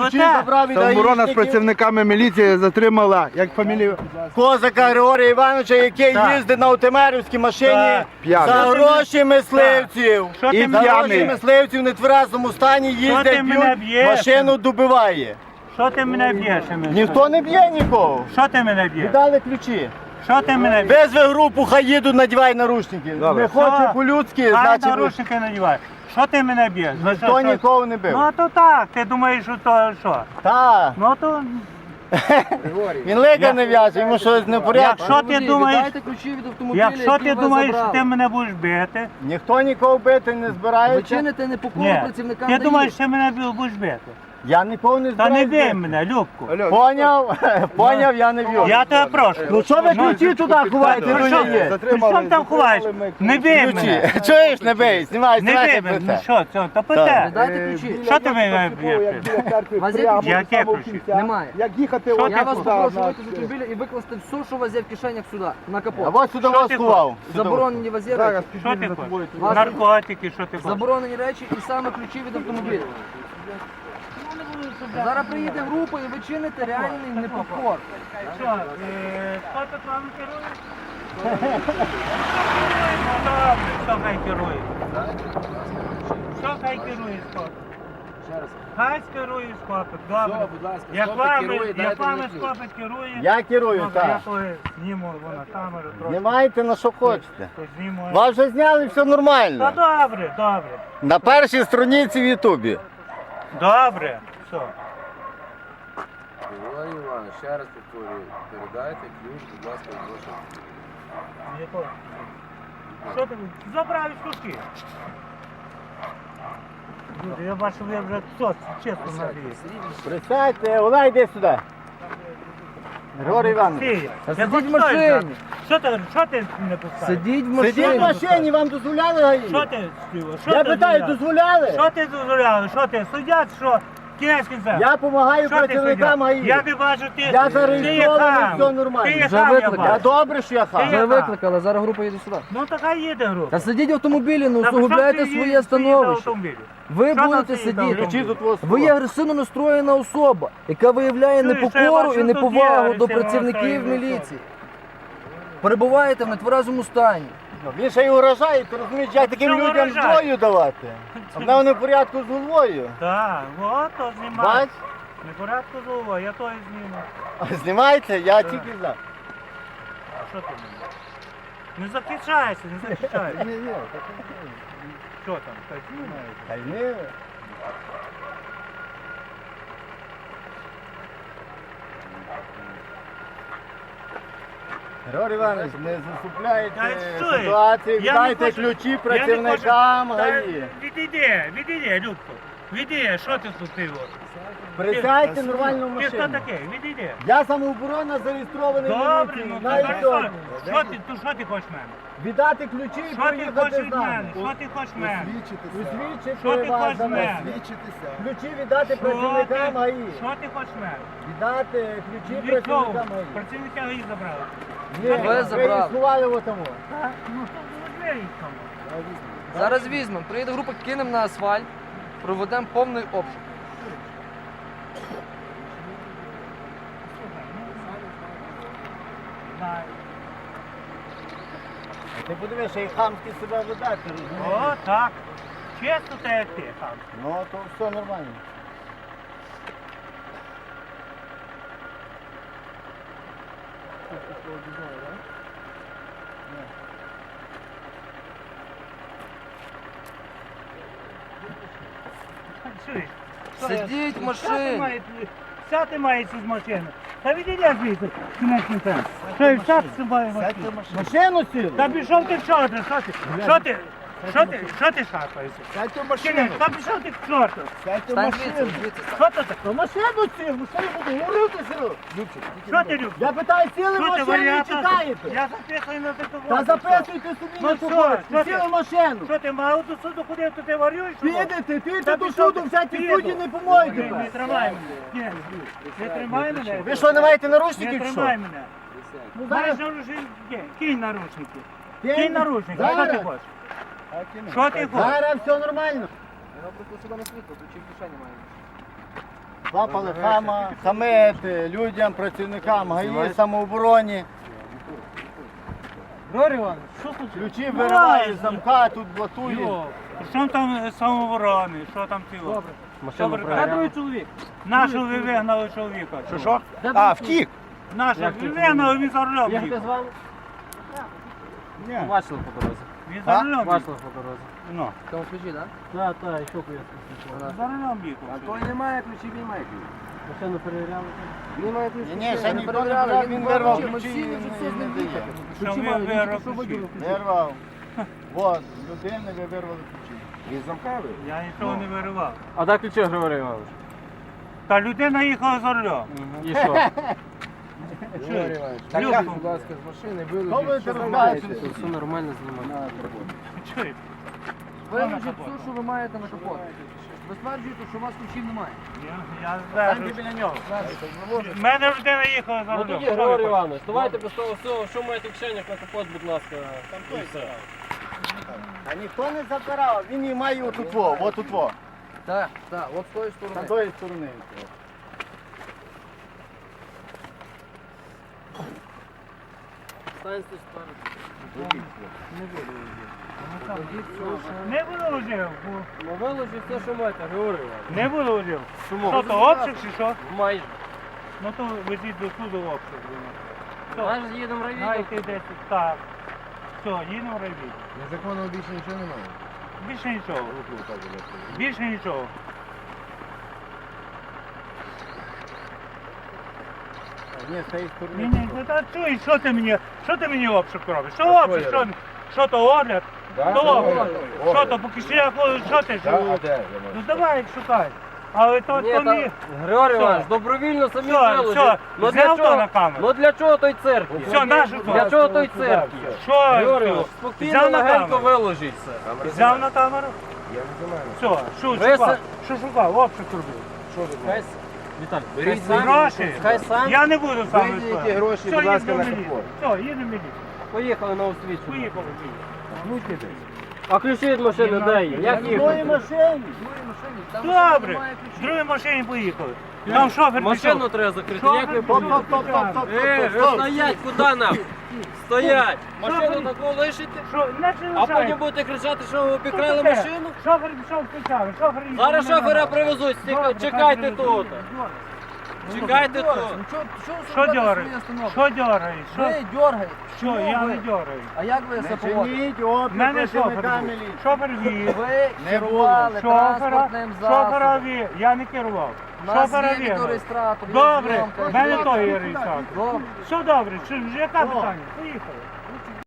ключі забрав від Самоборона з гаїшників. працівниками міліції затримала, як фамілію? Козака Григорія Івановича, який їздить на Утемерівській машині Так. П'яний. за гроші мисливців. Що ти І мене за гроші п'яний. мисливців в нетверезому стані ти їздять, мене б'ють, б'єш? машину добиває. Що ти мене б'єш? Ніхто не б'є нікого. Що ти мене б'єш? Віддали ключі. Що ти мене б'єш? Везви групу, хай їдуть, надівай наручники. Добре. Не хоче по-людськи, Хай значить наручники надівай. Що ти мене б'єш? За ніхто що? нікого не бив. Ну то так, ти думаєш, що то що? Так, Ну то, він лига не в'яже, йому щось не в порядку. якщо ти думаєш, Віддайте ключі від автомобіля, якщо який ти вас думаєш, що забрали. ти мене будеш бити, Ніхто нікого бити не Ви збирається. чините непокору ні, працівникам ти ДАІ. думаєш, що мене будеш бити. Я нікого не Та не збираюся. бий бити. мене, Любку. Поняв? Поняв, я не б'ю. Я тебе прошу. Ну що ви ключі туди ховаєте, Ну, ну що- не є? При чому там ховаєш? Не бий Ключі. мене. Чуєш, не бий, знімай, Не знімай бий мене. Ну це. що, це, то питай. Віддайте ключі. Що ти мене б'єш? Вас є ключі? Яке ключі? Немає. Як їхати Що от Я ти вас сюди, попрошу на- вийти з автомобіля і викласти все, що у вас є в кишенях сюди, на А капот. от сюди Що вас ти сховав. Заборонені у вас є Зараз речі. Що ти підійду за тобою. хочеш? Наркотики, що ти хочеш? Заборонені речі і саме ключі від автомобіля. Зараз приїде група і ви чините реальний непокор. Що, хто тут вами керує? Ну добре, хто хай керує? Що хай керує скопик? Хай керує скопик, добре. будь ласка, Як скопик вами, керує, як дайте вами мені ключ. скопик керує, Я керую, добре, я так. то зніму на камеру трохи. Знімайте на що хочете. То зніму. Вас вже зняли, все Та нормально. добре, добре. На першій страниці в Ютубі. Добре, все. Григорій Іванович, ще раз повторюю, передайте ключ, будь ласка, від вашого. Якого? Що ти? Забрав із кушки. Люди, я бачу, ви вже чесно надіюсь. Присядьте, Ола, йди сюди. Григорій Іванович. Ти, Та я сидіть хоч в машині. той, що ти не пускаєш? Сидіть в Сидіть в машині. машині, вам дозволяли гаї? Що ти співав? Я питаю, дозволяли? Що ти дозволяли? Що ти? Судять, що? Кінець кінця. Я допомагаю Що ти працівникам судять? гаї. Я не бачу, ти... Я зареєстрований, все нормально. Ти є Вже хам, я викликали. Я бачу. добре, що я Ти хам. є- Ви викликали, зараз група їде сюди. Ну така їде група. Та сидіть в автомобілі, не Та усугубляйте що ти своє їдеш в становище. автомобілі? Ви Що будете там стоїть на сидіти. Ключі тут у вас Ви є агресивно настроєна особа, яка виявляє Чуєш, що я непокору бачу, і тут є неповагу до агресивно працівників настроєна міліції. Перебуваєте в нетверезому стані. Він ще й угрожає, ти розумієш, як таким Що людям угрожає? зброю давати. А в мене не в порядку з головою. Так, от то знімай. Бач? Не порядку з головою, я то і зніму. А знімається, я тільки за. А що ти мені? Не захищайся, не захищайся. Ні, Що там? Та знімай. та й ні. Григорій Іванович, не засупляйте Та що? ситуацію, Я не віддайте хочу- ключі я не працівникам хочу- Та ГАІ. Відійди, Любко. Відійди, що ти тут ти? Присядьте нормально в Ти хто машину. такий? Відійди. Я самооборона зареєстрований в Добре, міліції. ну Навіть так сьогодні. що ти хочеш в мене? Віддати ключі і Що ти хочеш поїхати від з мене? нами. Що ти хочеш в мене? Усвідчити Що ти вас хочеш за в мене? нас. Ключі віддати працівникам ГАІ. Що ти хочеш в мене? Віддати ключі Від кого? працівникам ГАІ. Працівника ГАІ забрали. Ні, Ви ви забрали. їх сховали в отому. Ну, то двері їх там. Зараз візьмемо. Приїде група, кинемо на асфальт, проведемо повний обшук. Знаю. А ти подивишся, як хамськи себе видати, розумієш? О, так. Чесно те, як ти, хам. Ну, то все нормально. Чуєш? Сидіть в машині. Сяти мається з машини. Та відійди звідси, кінець кінця. Що, і сяти має машину? Машину сіли? Та пішов ти в чорта, що ти? Що ти? Що ти шарпаєшся? Сядьте в Кінець, машину. та пішов ти в чорта. Сядьте в Стань машину. звідси, звідси. Що це таке? То машину сіли, машину буду, говорив ти сіли. Що ти любиш? Я питаю, сіли в Що ти машину і варіанта? читаєте? Я записую на такому. Та записуйте собі Ну на що, сухость. що ти? Сіли в машину. Що ти мав до суду ходив, то ти варюєш? що? Підете, підете Та до пішов суду, ти. всякі Піду. судді не помоєте. Не тримай мене. Не тримай мене. Ви що, не маєте Не наручників чи тримай що? мене. Ну, Маєш зараз наручники? Кинь наручники. Кинь. Кинь наручники. Що ти Зараз. хочеш? Що ти хочеш? Зараз все нормально. Я просто сюди на світло, ключі в кишені маю. Лапали хамити людям, працівникам ГАІ, самообороні. Григорій Іванович, що тут? Ключі виривають з замка, тут блатують. Що там самооборони, що там ціло? Добре. Де другий чоловік? Нашого ви вигнали чоловіка. Що? А, втік. Нашого ви вигнали, він за рулем їхав. Бачили по дорозі. Він за рулем їхав. Бачили по дорозі. Ну, Тому ключі, так? Так, так, і що пояснити? за рулем їхав. Той немає ключів, він має ключ. Машину перевіряли. Він має ключі. Ні, ще ніхто не перевіряли, брав, він він брав вирвав ключі, ми ключі всі і вже все не знаємо. дає. Що ви вирвав ключі? Вирвав. Вот, людини ви вирвали ключі. Він замкавий. Я нічого не виривав. А де ключі, Григорій Іванович? Та людина їхала за рулем. І що? Григорій Іванович, Так, вилазь, як? будь ласка, з машини, Хто ви вилучіть, що це знімаєте? розбачили? Все нормально знімає. Чуєш? Виключіть все, що ви маєте на капот. Ви стверджуєте, що у вас ключів немає. Я Станьте знаю. біля нього. В мене людина їхала за Ну рулем. тоді, Що ви Григорій хочете? Іванович, давайте без того всього, що маєте в кишенях на капот, будь ласка. І все. А ніхто не забирав, він її має отут во, отут во. Так, так, от з тої З сторони. тої сторони. Станьте спереду. Не виложив. Ну виложіть все, що маєте, Григорій Іванович. Не виложив. Чому? Що то, обшук чи що? Майже. Ну то везіть до суду обшук. Все. Майже їдемо в райвідділ. Знаєте, десь так. Все, їдемо в райвідділ. Незаконного більше нічого немає. Більше нічого. Більше нічого. Ні, з тієї Ні, сторони. ні, ну та чуй, що ти мені обшук робиш? Що обшук? Що то огляд? Да? То огляд. Огляд. Що то, по кишенях ходиш, що ти? Так, а де? Я Ну можу. давай, шукай. Але то Ні, то та, ні. Григорій Все. Іванович, добровільно самі Все, виложіть. все, Ну зняв для то на чого? камеру. Ну для чого той цирк? Все, нашу Для то. чого той цирк? Що? Григорій Іванович, ти? спокійно, Взяв на легенько камеру. виложіть все. Камера Взяв знімає. на камеру? Я не знімаю. Все, що Ви шукав? се- Що шукав? Обшук робив. Що ви Хай, знаєте? Віталій, Беріть хай сам, Гроші? хай сам. Я не буду сам Виділіть виставляти. гроші, Все, будь ласка, їдемо на в міліцію. капот. Все, їдемо в міліцію. Поїхали на освічення. Поїхали в міліцію. А ключі від машини де є? Як В тої їхати? машині. В другій машині, там машина Добре, немає в ключів. другій машині поїхали. Там шофер Машину пішов. треба закрити. Шофер Як ви пішов. помните? Стоп, стоп, стоп, стоп, стоп. Стоять, куди нам? Стоять! Машину таку лишите, Що, не а потім будете кричати, що ви обікрали машину? Шофер пішов спочатку, шофер їхав. Зараз мене шофера нагадав. привезуть, Добре, чекайте хай тут. привезуть. Чекайте тут. Ну що Що зробити дьораєш? свої установки? Що дьораєш? Що? Ви дергаєте. Що? Чому Я ви? не дьораю. А як ви Не себе поводите? чиніть В опір мене шофер працівникам був. міліції. Шофер вів. Ви Не керували Шофера, транспортним шофера засобом. вів. Я не керував. У нас Шофера є вів. відеореєстратор, є Добре, зйомка, в мене є- той є реєстратор. Добре. Все добре, яке питання? Поїхали.